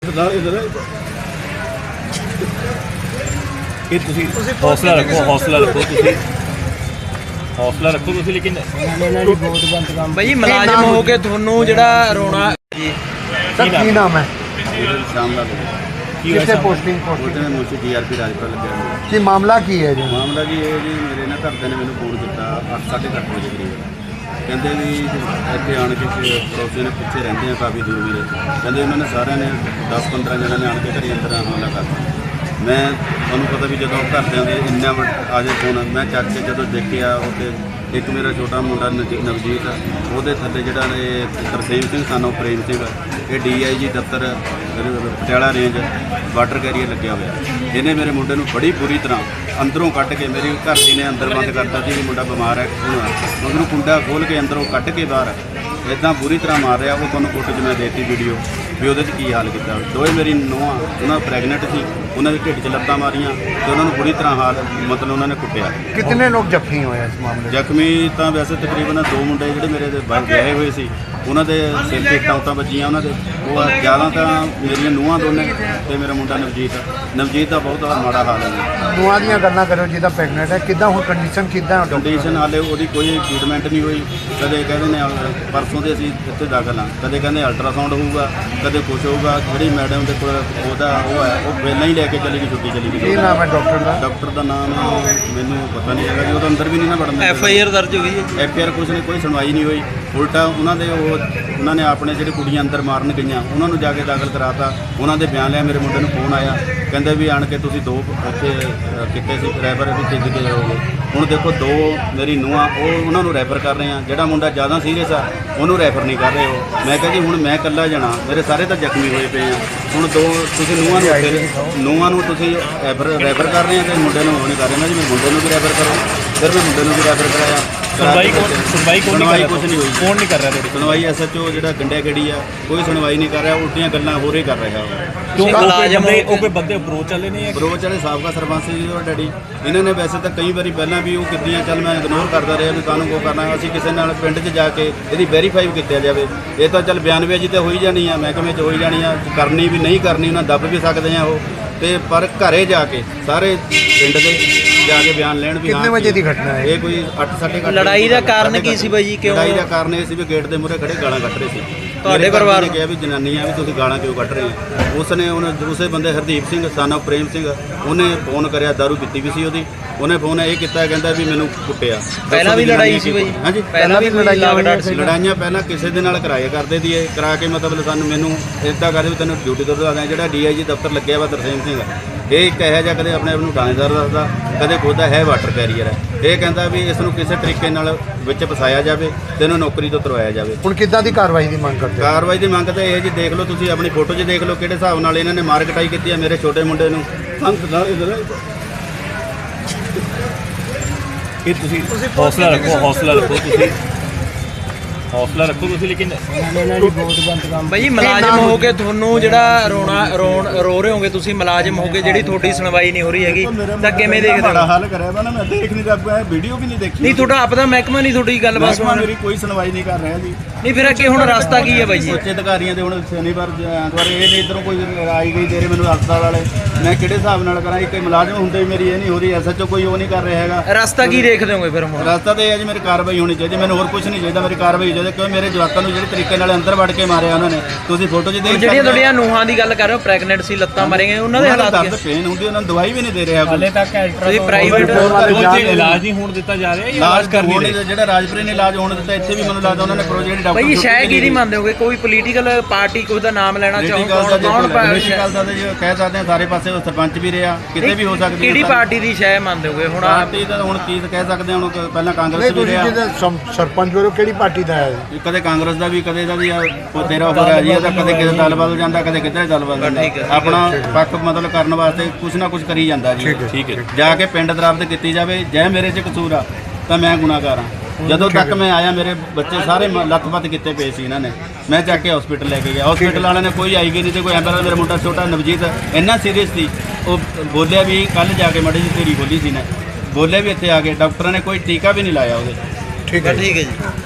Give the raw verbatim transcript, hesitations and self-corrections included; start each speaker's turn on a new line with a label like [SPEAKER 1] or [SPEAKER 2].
[SPEAKER 1] कि तुसी हौसला रखो हौसला रखो तुसी हौसला रखो तुसी लेकिन
[SPEAKER 2] भाई मुलाजिम हो के थोनू जेड़ा रोना जी
[SPEAKER 3] सर की नाम है
[SPEAKER 4] श्यामलाल
[SPEAKER 3] कितने पोस्टिंग
[SPEAKER 4] ਉਹਦੇ ਨੇ ਮੁੰਸ਼ੀ ਡੀਆਰਪੀ ਰਾਜਪਾਲ ਲੱਗਿਆ ਹੋਇਆ।
[SPEAKER 3] की मामला की है जो
[SPEAKER 4] ਮਾਮਲਾ ਜੀ ਇਹ ਜੀ ਮੇਰੇ ਨਾ ਘਰਦਿਆਂ ਨੇ ਮੈਨੂੰ ਫੋਨ ਕੀਤਾ ਅੱਠ ਸਾਢੇ ਕੁ ਅੱਠ ਵਜੇ ਕਰੀਬ ਕਹਿੰਦੇ ਵੀ ਇੱਥੇ ਆਣ ਕੇ ਪੜੋਸੀਆਂ ਨੇ ਪਿੱਛੇ ਰਹਿੰਦੇ ਆ ਕਾਫੀ ਦੂਰ ਵੀਰੇ ਕਹਿੰਦੇ ਉਹਨਾਂ ਨੇ ਸਾਰਿਆਂ ਨੇ ਦਸ ਪੰਦਰਾਂ ਜਣਿਆਂ ਨੇ ਆਣ ਕੇ ਘਰੇ ਅੰਦਰ ਹਮਲਾ ਕਰਤਾ। ਮੈਂ ਤੁਹਾਨੂੰ ਪਤਾ ਵੀ ਜਦੋਂ ਘਰਦਿਆਂ ਦੇ ਇੰਨਾ ਆ ਜੇ ਫੋਨ ਮੈਂ ਚੱਕ ਕੇ ਜਦੋਂ ਦੇਖਿਆ ਉੱਥੇ ਇੱਕ ਮੇਰਾ ਛੋਟਾ ਮੁੰਡਾ ਨਵ- ਨਵਜੀਤ ਉਹਦੇ ਥੱਲੇ ਜਿਹੜਾ ਇਹ ਤਰਸੇਮ ਸਿੰਘ ਸਾਨੂੰ ਪ੍ਰੇਮ ਸਿੰਘ ਇਹ ਡੀ ਆਈ ਜੀ ਦਫ਼ਤਰ ਪਟਿਆਲਾ ਰੇਂਜ ਵਾਟਰ ਕੈਰੀਅਰ ਲੱਗਿਆ ਹੋਇਆ। ਇਹਨੇ ਮੇਰੇ ਮੁੰਡੇ ਨੂੰ ਬੜੀ ਬੁਰੀ ਤਰ੍ਹਾਂ ਅੰਦਰੋਂ ਕੱਢ ਕੇ ਮੇਰੀ ਘਰ ਦੀ ਨੇ ਅੰਦਰ ਬੰਦ ਕਰਤਾ ਸੀ ਵੀ ਮੁੰਡਾ ਬਿਮਾਰ ਹੈ ਉਹਨੂੰ ਕੁੰਡਾ ਖੋਲ੍ਹ ਕੇ ਅੰਦਰੋਂ ਕੱਢ ਕੇ ਬਾਹਰ ਇੱਦਾਂ ਬੁਰੀ ਤਰ੍ਹਾਂ ਮਾਰ ਰਿਹਾ। ਉਹ ਤੁਹਾਨੂੰ ਫੋਟੋ 'ਚ ਮੈਂ ਦੇਤੀ ਵੀਡੀਓ ਵੀ ਉਹਦੇ 'ਚ ਕੀ ਹਾਲ ਕੀਤਾ। ਦੋਵੇਂ ਮੇਰੀ ਨੂੰਹਾਂ ਉਹਨਾਂ ਪ੍ਰੈਗਨੈਂਟ ਸੀ ਉਹਨਾਂ ਦੇ ਢਿੱਡ 'ਚ ਲੱਤਾਂ ਮਾਰੀਆਂ ਤੇ ਉਹਨਾਂ ਨੂੰ ਬੁਰੀ ਤਰ੍ਹਾਂ ਹਾਲ ਮਤਲਬ ਉਹਨਾਂ ਨੇ ਕੁੱਟਿਆ।
[SPEAKER 3] कितने लोग जख्मी हुए इस मामले में?
[SPEAKER 4] ਜ਼ਖਮੀ ਤਾਂ ਵੈਸੇ ਤਕਰੀਬਨ ਦੋ ਮੁੰਡੇ ਜਿਹੜੇ ਮੇਰੇ ਦੇ ਬਾਹਰ ਗਏ ਹੋਏ ਸੀ ਉਹਨਾਂ ਦੇ ਸਿਰ 'ਤੇ ਟਾਂਟਾਂ ਵੱਜੀਆਂ ਉਹਨਾਂ ਦੇ ਉਹ ਜ਼ਿਆਦਾ ਤਾਂ ਮੇਰੀਆਂ ਨੂੰਹਾਂ ਦੋਨੇ ਤੇ ਮੇਰਾ ਮੁੰਡਾ ਨਵਜੀਤ ਨਵਜੀਤ ਦਾ ਬਹੁਤ ਮਾੜਾ ਹਾਲ ਹੈ ਜੀ।
[SPEAKER 3] ਨੂੰਹਾਂ ਦੀਆਂ ਗੱਲਾਂ ਕਰੋ ਜਿਹਦਾ ਪ੍ਰੈਗਨੈਂਟ ਹੈ ਕਿੱਦਾਂ ਹੁਣ ਕੰਡੀਸ਼ਨ ਕਿੱਦਾਂ ਹੈ
[SPEAKER 4] ਕੰਡੀਸ਼ਨ ਹਾਲੇ ਉਹਦੀ ਕੋਈ ਟ੍ਰੀਟਮੈਂਟ ਨਹੀਂ ਹੋਈ। ਕਦੇ ਕਹਿੰਦੇ ਨੇ ਪਰਸੋਂ ਦੇ ਅਸੀਂ ਇੱਥੇ ਦਾਖਲ ਹਾਂ ਕਦੇ ਕਹਿੰਦੇ ਅਲਟਰਾਸਾਊਂਡ ਹੋਊਗਾ ਕਦੇ ਕੁਛ ਹੋਊਗਾ। ਜਿਹੜੀ ਮੈਡਮ ਦੇ ਕੋਲ ਉਹਦਾ ਉਹ ਹੈ ਉਹ ਪਹਿਲਾਂ ਹੀ ਲੈ ਕੇ ਚਲੀ ਗਈ ਛੁੱਟੀ ਚਲੀ ਗਈ।
[SPEAKER 3] ਕੀ ਨਾਮ ਹੈ ਡਾਕਟਰ ਦਾ?
[SPEAKER 4] ਡਾਕਟਰ ਦਾ ਨਾਮ ਮੈਨੂੰ ਪਤਾ ਨਹੀਂ ਹੈਗਾ ਜੀ ਉਹ ਤਾਂ ਅੰਦਰ ਵੀ ਨਹੀਂ ਨਾ ਵੜਨ
[SPEAKER 2] ਐਫ ਆਈ ਆਰ ਦਰਜ ਹੋਈ ਹੈ
[SPEAKER 4] ਐਫ ਆਈ ਆਰ ਕੁਛ ਨਹੀਂ ਕੋਈ ਸੁਣਵਾਈ ਨਹੀਂ ਹੋਈ। ਉਲਟਾ ਉਹਨਾਂ ਦੇ ਉਹ ਉਹਨਾਂ ਨੇ ਆਪਣੇ ਜਿਹੜੇ ਕੁੜੀਆਂ ਅੰਦਰ ਮਾਰਨ ਗਈਆਂ ਉਹਨਾਂ ਨੂੰ ਜਾ ਕੇ ਦਾਖਲ ਕਰਾਤਾ। ਉਹਨਾਂ ਦੇ ਬਿਆਨ ਲਿਆ ਮੇਰੇ ਮੁੰਡੇ ਨੂੰ ਫੋਨ ਆਇਆ ਕਹਿੰਦੇ ਵੀ ਆਣ ਕੇ ਤੁਸੀਂ ਦੋ ਉੱਥੇ ਕਿਤੇ ਸੀ ਰੈਫਰ ਵੀ ਭੇਜ ਕੇ ਜਾਓਗੇ। ਹੁਣ ਦੇਖੋ ਦੋ ਮੇਰੀ ਨੂੰਹਾਂ ਉਹ ਉਹਨਾਂ ਨੂੰ ਰੈਫਰ ਕਰ ਰਹੇ ਆ। ਜਿਹੜਾ ਮੁੰਡਾ ਜ਼ਿਆਦਾ ਸੀਰੀਅਸ ਆ ਉਹਨੂੰ ਰੈਫਰ ਨਹੀਂ ਕਰ ਰਹੇ ਹੋ। ਮੈਂ ਕਿਹਾ ਜੀ ਹੁਣ ਮੈਂ ਇਕੱਲਾ ਜਾਣਾ ਮੇਰੇ ਸਾਰੇ ਤਾਂ ਜ਼ਖਮੀ ਹੋਏ ਪਏ ਆ। ਹੁਣ ਦੋ ਤੁਸੀਂ ਨੂੰਹਾਂ ਨੂੰ ਫਿਰ ਨੂੰਹਾਂ ਨੂੰ ਤੁਸੀਂ ਰੈਫਰ ਰੈਫਰ ਕਰ ਰਹੇ ਆ ਤੇ ਮੁੰਡੇ ਨੂੰ ਉਹ ਨਹੀਂ ਕਰ ਰਹੇ ਨਾ ਜੀ। ਮੇਰੇ ਮੁੰਡੇ ਨੂੰ ਵੀ ਰੈਫਰ ਕਰੋ ਫਿਰ ਮੈਂ ਮੁੰਡੇ ਨੂੰ ਵੀ ਰੈਫਰ ਕਰਾਇਆ।
[SPEAKER 1] सुनवाई कौन सुनवाई कौन नहीं कर रहा?
[SPEAKER 4] कुछ नहीं हुई।
[SPEAKER 1] कौन नहीं कर रहा है?
[SPEAKER 4] ਸੁਣਵਾਈ ਐਸ ਐਚ ਓ ਜਿਹੜਾ ਗੰਡਿਆ ਗੜੀ ਆ ਕੋਈ ਸੁਣਵਾਈ ਨਹੀਂ ਕਰ ਰਿਹਾ ਉਲਟੀਆਂ ਗੱਲਾਂ ਹੋਰ ਹੀ ਕਰ ਰਿਹਾ।
[SPEAKER 1] क्यों
[SPEAKER 2] मुलाजिम
[SPEAKER 1] मुलाजिम
[SPEAKER 2] हो
[SPEAKER 1] ने कोई बंदे अप्रोच चले नहीं है
[SPEAKER 4] ਬਰੋਚ ਵਾਲੇ ਸਾਬਕਾ ਸਰਪੰਚ ਸੀ ਜੀ ਉਹ ਡੈਡੀ ਇਹਨਾਂ ਨੇ ਵੈਸੇ ਤਾਂ ਕਈ ਵਾਰੀ ਪਹਿਲਾਂ ਵੀ ਉਹ ਕੀਤੀਆਂ ਚੱਲ ਮੈਂ ਇਗਨੋਰ ਕਰਦਾ ਰਿਹਾ ਵੀ ਕਾਹਨੂੰ ਕੋ ਕਰਨਾ ਅਸੀਂ ਕਿਸੇ ਨਾਲ ਪਿੰਡ 'ਚ ਜਾ ਕੇ ਇਹਦੀ ਵੈਰੀਫਾਈ ਕੀਤਾ ਜਾਵੇ। ਇਹ ਤਾਂ ਚੱਲ ਬਿਆਨਬਾਜ਼ੀ ਤੇ ਹੋਈ ਜਾਣੀ ਆ ਮਹਿਕਮੇ 'ਚ ਹੋਈ ਜਾਣੀ ਆ ਕਰਨੀ ਵੀ ਨਹੀਂ ਕਰਨੀ ਉਹਨਾਂ ਦੱਬ ਵੀ ਸਕਦੇ ਆ ਉਹ ਤੇ ਪਰ ਘਰੇ ਜਾ ਕੇ ਸਾਰੇ ਪਿੰਡ ਦੇ ਜਾ ਕੇ ਬਿਆਨ ਲੈਣ ਵੀ
[SPEAKER 3] कितने बजे की घटना है?
[SPEAKER 4] ਇਹ ਕੋਈ ਅੱਠ ਸਾਢੇ ਅੱਠ
[SPEAKER 2] ਲੜਾਈ ਦਾ ਕਾਰਨ ਕੀ ਸੀ ਬਾਈ ਜੀ? ਕਿਉਂ
[SPEAKER 4] ਲੜਾਈ ਦਾ ਕਾਰਨ ਇਹ ਸੀ ਵੀ ਗੇਟ ਦੇ ਮੂਹਰੇ ਖੜੇ ਗਾਲਾਂ ਕੱਢ ਰਹੇ ਸੀ।
[SPEAKER 2] ਤੁਹਾਡੇ
[SPEAKER 4] ਮੇਰੇ
[SPEAKER 2] ਪਰਿਵਾਰ
[SPEAKER 4] ਨੇ ਕਿਹਾ ਵੀ ਜਨਾਨੀਆਂ ਵੀ ਤੁਸੀਂ ਗਾਲਾਂ ਕਿਉਂ ਕੱਢ ਰਹੇ ਹੋ। ਉਸ ਨੇ ਉਹਨੇ ਦੂਸਰੇ ਬੰਦੇ ਹਰਦੀਪ ਸਿੰਘ ਸਾਨਾ ਪ੍ਰੇਮ ਸਿੰਘ ਉਹਨੇ ਫੋਨ ਕਰਿਆ ਦਾਰੂ ਪੀਤੀ ਵੀ ਸੀ ਉਹਦੀ ਉਹਨੇ ਫੋਨ ਇਹ ਕੀਤਾ ਕਹਿੰਦਾ ਵੀ ਮੈਨੂੰ ਕੁੱਟਿਆ।
[SPEAKER 2] ਪਹਿਲਾਂ ਵੀ ਲੜਾਈ ਸੀ ਬਾਈ?
[SPEAKER 4] ਹਾਂਜੀ
[SPEAKER 2] ਪਹਿਲਾਂ ਵੀ ਲੜਾਈਆਂ ਵਗੜਾ ਸੀ?
[SPEAKER 4] ਲੜਾਈਆਂ ਪਹਿਲਾਂ ਕਿਸੇ ਦੇ ਨਾਲ ਕਰਾਇਆ ਕਰਦੇ ਦੀ ਇਹ ਕਰਾ ਕੇ ਮਤਲਬ ਸਾਨੂੰ ਮੈਨੂੰ ਇੱਦਾਂ ਕਰਦੇ ਵੀ ਤੈਨੂੰ ਡਿਊਟੀ ਤੋਂ ਦਵਾ ਜਿਹੜਾ ਡੀ ਆਈ ਜੀ ਦਫ਼ਤਰ ਲੱਗਿਆ ਵਾ ਤਰਸੇਮ ਸਿੰਘ ਇਹ ਇੱਕ ਇਹੋ ਜਿਹਾ ਕਦੇ ਆਪਣੇ ਆਪ ਨੂੰ ਥਾਣੇਦਾਰ ਦੱਸਦਾ ਕਦੇ ਖੁਦਾ ਹੈ ਵਾਟਰ ਕੈਰੀਅਰ ਹੈ। ਇਹ ਕਹਿੰਦਾ ਵੀ ਇਸ ਨੂੰ ਕਿਸੇ ਤਰੀਕੇ ਨਾਲ ਵਿੱਚ ਫਸਾਇਆ ਜਾਵੇ ਤੇ ਇਹਨੂੰ ਨੌਕਰੀ ਤੋਂ ਤੁਰਵਾਇਆ ਜਾਵੇ।
[SPEAKER 3] ਹੁਣ ਕਿੱਦਾਂ ਦੀ ਕਾਰਵਾਈ ਦੀ ਮੰਗ ਕਰਦੇ ਹੋ?
[SPEAKER 4] ਕਾਰਵਾਈ ਦੀ ਮੰਗ ਤਾਂ ਇਹ ਜੀ ਦੇਖ ਲਓ ਤੁਸੀਂ ਆਪਣੀ ਫੋਟੋ 'ਚ ਦੇਖ ਲਓ ਕਿਹੜੇ ਹਿਸਾਬ ਨਾਲ ਇਹਨਾਂ ਨੇ ਮਾਰ ਕਟਾਈ ਕੀਤੀ ਹੈ ਮੇਰੇ ਛੋਟੇ ਮੁੰਡੇ ਨੂੰ।
[SPEAKER 1] कि तुसी हौसला रखो हौसला रखो तुसी हौसला रखो तुसी लेकिन
[SPEAKER 2] भाई मुलाजिम हो के थोनू जेड़ा रोना रोन रो रहे होंगे तुसी मुलाजिम हो के जेड़ी थोड़ी सुनवाई नहीं हो रही हैगी ਤਾਂ ਕਿਵੇਂ ਦੇਖਦੇ
[SPEAKER 4] ਬੜਾ
[SPEAKER 2] ਹੋ?
[SPEAKER 4] ਹਾਲ ਕਰਿਆ ਵਾ ਨਾ ਮੈਂ ਦੇਖ ਨਹੀਂ ਰਿਹਾ ਵੀਡੀਓ ਵੀ ਨਹੀਂ ਦੇਖੀ।
[SPEAKER 2] ਨਹੀਂ ਤੁਹਾਡਾ ਆਪਦਾ ਮਹਿਕਮਾ ਨਹੀਂ ਤੁਹਾਡੀ ਗੱਲ ਬਸ
[SPEAKER 4] ਮਹਿਕਮਾ ਮੇਰੀ ਕੋਈ ਸੁਣਵਾਈ ਨਹੀਂ ਕਰ ਰਿਹਾ ਜੀ।
[SPEAKER 2] ਨਹੀਂ ਫਿਰ ਅੱਗੇ ਹੁਣ ਰਸਤਾ ਕੀ ਹੈ ਬਾਈ ਜੀ?
[SPEAKER 4] ਉੱਚ ਅਧਿਕਾਰੀਆਂ ਦੇ ਹੁਣ ਸ਼ਨੀਵਾਰ ਐਤਵਾਰ ਇਹ ਨਹੀਂ ਇੱਧਰੋਂ ਕੋਈ ਆਈ ਗਈ ਦੇ ਰਹੇ ਮੈਨੂੰ ਹਸਪਤਾਲ ਵਾਲੇ ਮੈਂ ਕਿਹੜੇ ਹਿਸਾਬ ਨਾਲ ਕਰਾਂ। ਇੱਕ ਮੁਲਾਜ਼ਮ ਹੁੰਦੇ ਵੀ ਮੇਰੀ ਇਹ ਨਹੀਂ ਹੋ ਰਹੀ ਐਸ ਐਚ ਓ ਕੋਈ ਉਹ ਨਹੀਂ ਕਰ ਰਿਹਾ ਹੈਗਾ।
[SPEAKER 2] ਰਸਤਾ ਕੀ ਦੇਖਦੇ ਹੋਗੇ ਫਿਰ ਹੁਣ?
[SPEAKER 4] ਰਸਤਾ ਤਾਂ ਇਹ ਹੈ ਜੀ ਮੇਰੀ ਕਾਰਵਾਈ ਹੋਣੀ ਚਾਹੀਦੀ ਮੈਨੂੰ ਹੋਰ ਕੁਝ ਨਹੀਂ ਚਾਹੀਦਾ। ਮੇਰੀ ਕਾਰਵਾਈ ਚਾਹੀਦੀ ਕਿਉਂ ਮੇਰੇ ਜਵਾਕਾਂ ਨੂੰ ਜਿਹੜੇ ਤਰੀਕੇ ਨਾਲ ਅੰਦਰ ਵੜ ਕੇ ਮਾਰਿਆ ਉਹਨਾਂ ਨੇ ਤੁਸੀਂ ਫੋਟੋ 'ਚ ਦੇਖ
[SPEAKER 2] ਜਿਹੜੀਆਂ ਤੁਹਾਡੀਆਂ ਨੂਹਾਂ ਦੀ ਗੱਲ ਕਰ ਰਹੇ ਹੋ ਪ੍ਰੈਗਨੈਂਟ ਸੀ ਲੱਤਾਂ ਮਾਰੀਆਂ ਉਹਨਾਂ ਦੇ ਹਾਲਾਤ
[SPEAKER 4] ਦਰਦ ਪੇਨ ਹੁੰਦੀ ਉਹਨਾਂ ਨੂੰ ਦਵਾਈ ਵੀ ਨਹੀਂ ਦੇ ਰਿਹਾ
[SPEAKER 1] हाले तक
[SPEAKER 2] ਤੁਸੀਂ ਪ੍ਰਾਈਵੇਟ
[SPEAKER 1] इलाज नहीं होने दिता जा रहा है
[SPEAKER 4] ਇਲਾਜ ਕਰ ਨਹੀਂ ਰਹੇ। ਜਿਹੜਾ ਰਾਜਪੁਰੇ ਨੇ ਇਲਾਜ ਹੋਣ ਦਿੱਤਾ ਇੱਥੇ ਵੀ ਮੈਨੂੰ ਲੱਗਦਾ ਉਹਨਾਂ ਨੇ ਪ੍ਰੋਜੈਕਟ ਡਾਕਟਰ
[SPEAKER 2] ਭਾਈ ਸ਼ਾਇਦ ਕੀ ਨਹੀਂ ਮੰਨਦੇ ਹੋਗੇ ਕੋਈ ਪੋਲੀਟੀਕਲ ਪਾਰਟੀ ਕੋਈ ਦਾ ਨਾਮ ਲੈਣਾ ਚਾਹੋ ਕੌਣ ਕੌਣ
[SPEAKER 4] ਪੋਲੀਟੀਕਲ ਦਾ ਜੇ ਕਹਿ ਸਕਦੇ ਆ ਸਾਰੇ ਪਾਸੇ ਉਹ ਸਰਪੰਚ ਵੀ ਰਿਹਾ ਕਿਤੇ ਵੀ ਹੋ ਸਕਦੀ ਹੈ।
[SPEAKER 2] ਕਿਹੜੀ ਪਾਰਟੀ ਦੀ ਸ਼ਾਇਦ ਮੰਨਦੇ ਹੋਗੇ ਹੁਣ?
[SPEAKER 4] ਪਾਰਟੀ ਦਾ ਹੁਣ ਕੀ ਕਹਿ ਸਕਦੇ ਆ ਹੁਣ ਪਹਿਲਾਂ ਕਾਂਗਰਸ
[SPEAKER 3] ਨਹੀਂ
[SPEAKER 4] ਵੀ
[SPEAKER 3] ਤੁਸੀਂ
[SPEAKER 4] ਰਿਹਾ
[SPEAKER 3] ਜਿਹਦਾ ਸਮ- ਸਰਪੰਚ ਵੱਲੋਂ ਕਿਹੜੀ ਪਾਰਟੀ ਦਾ ਹੈ?
[SPEAKER 4] ਕਦੇ ਕਾਂਗਰਸ ਦਾ ਵੀ ਕਦੇ ਦਾ ਵੀ ਆ, ਉਹ ਤੇਰਾ ਹੋ ਰਿਹਾ ਜੀ ਇਹਦਾ ਕਦੇ ਕਿਸੇ ਦਲ ਬਦਲ ਜਾਂਦਾ ਕਦੇ ਕਿਧਰੇ ਦਲ ਬਦਲ ਜਾਂਦਾ ਆਪਣਾ ਪੱਖ ਮਤਲਬ ਕਰਨ ਵਾਸਤੇ ਕੁਛ ਨਾ ਕੁਛ ਕਰੀ ਜਾਂਦਾ ਜੀ।
[SPEAKER 1] ठीक है
[SPEAKER 4] ਜਾ ਕੇ ਪਿੰਡ ਦਰਾਬਤ ਕੀਤੀ ਜਾਵੇ ਜੇ ਮੇਰੇ 'ਚ ਕਸੂਰ ਆ ਤਾਂ ਮੈਂ ਗੁਨਾਹਗਾਰ ਹਾਂ। ਜਦੋਂ ਤੱਕ ਮੈਂ ਆਇਆ ਮੇਰੇ ਬੱਚੇ ਸਾਰੇ ਲੱਤ-ਪੱਤ ਕੀਤੇ ਪਏ ਸੀ ਇਹਨਾਂ ਨੇ ਮੈਂ ਚੱਕ ਕੇ ਹਸਪੀਟਲ ਲੈ ਕੇ ਗਿਆ। ਹਸਪੀਟਲ ਵਾਲਿਆਂ ਨੇ ਕੋਈ ਆਈ ਗਈ ਨਹੀਂ ਤੇ ਕੋਈ ਐਂਬੂਲੈਂਸ ਮੇਰਾ ਮੁੰਡਾ ਛੋਟਾ ਨਵਜੀਤ ਇੰਨਾ ਸੀਰੀਅਸ ਸੀ ਉਹ ਬੋਲਿਆ ਵੀ ਕੱਲ ਜਾ ਕੇ ਮੜੀ ਜਿਹੀ ਢੇਰੀ ਖੋਲੀ ਸੀ ਨੇ ਬੋਲਿਆ ਵੀ ਇੱਥੇ ਆ ਕੇ ਡਾਕਟਰਾਂ ਨੇ ਕੋਈ ਟੀਕਾ ਵੀ ਨਹੀਂ ਲਾਇਆ ਉਹਦੇ।
[SPEAKER 3] ਠੀਕ ਹੈ
[SPEAKER 2] ਠੀਕ ਹੈ ਜੀ।